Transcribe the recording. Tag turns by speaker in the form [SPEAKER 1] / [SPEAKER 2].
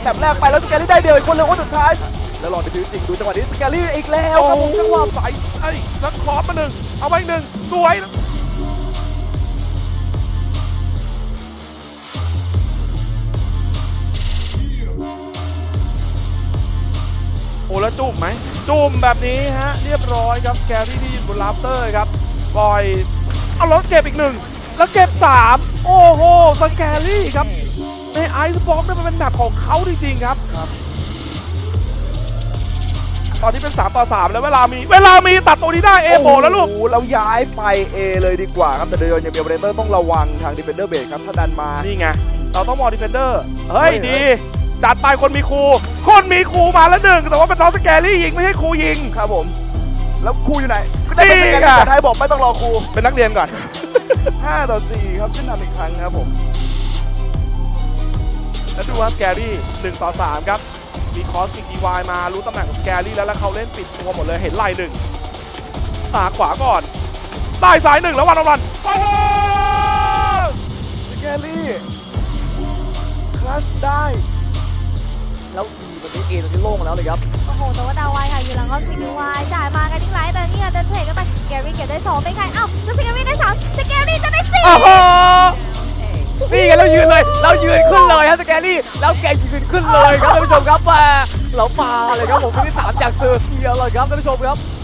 [SPEAKER 1] แถบแรกไปแล้วสแกรี่ได้เดียวอีกคนเลยคนสุดท้ายแล้วลองไปดูจริงดูจังหวะนี้สแกรี่อีกแล้วครับผมจังหวะ
[SPEAKER 2] ใส่ไอ้แล้วครอสมาหนึ่งเอาไว้หนึ่งสวยโอ้แล้วจุ่มไหมจุ่มแบบนี้ฮะเรียบร้อยครับแกรี่ที่อยู่บนราฟเตอร์ครับปล่อยเอาแล้วเก็บอีกหนึ่งแล้วเก็บ3โอ้โหสแกรี่ครับในไอซ์บอมเนี่ยมันเป็นแบบของเขาจริงๆครับตอนนี้เป็น3-3แล้วเวลามีตัดตัวนี้ได้เอโบแล้วลูก
[SPEAKER 1] โอ้โหเราย้ายไป A เลยดีกว่าครับแต่โดยยังมีโอเปอเรเตอร์ต้องระวังทางดิเฟนเดอร์เบรกครับถ้าดันมา
[SPEAKER 2] นี่ไงเราต้องมองดีเฟนเดอร์เฮ้ยดีจัดไปคนมีครูมาแล้วหนึ่งแต่ว่าเป็นน้องสแกรี่ยิงไม่ใช่ครูยิง
[SPEAKER 1] ครับผมแล้วครูอยู่ไหนก็ได้เป็นสแกรี่แต่ไทยบอกไม่ต้องรอครู
[SPEAKER 2] เป็นนักเรียนก่อน
[SPEAKER 1] 5-4ครับขึ้นนำอีกครั้งครับผม
[SPEAKER 2] แล้วดูว่าสแกรี่1-3ครับมีคอสติกดีวายมารู้ตำแหน่งของสแกรี่แล้วเขาเล่นปิดตัวหมดเลยเห็นไหล่หนึ่งขวาก่อนใต้ซ้ายหนึ่งแล้ววันโอ้โห
[SPEAKER 1] สแกรี่คลัชได้แล้ววันนี้เอตรงนี้โล่งแล้วเลยครับ
[SPEAKER 3] โอ้โหแต่ว่าดาวไวค่ะอยู่หลังก็ซีดีวายจ่ายมากันทิ้งไรแต่เนี่ยเดินเทรดกันไปแกรี่เก็บได้2เป็นใครเอ้าแล้วสแกรี่ได้3สแกรี่จะได้4
[SPEAKER 4] โอ้โหนี่ไงเรายืนเลยขึ้นเลยครับสแกรี่แล้วแกยืนขึ้นเลยครับท่านผู้ชมครับเรามาเลยครับผมที่3จากเซอร์เซียเลยครับท่านผู้ชมครับ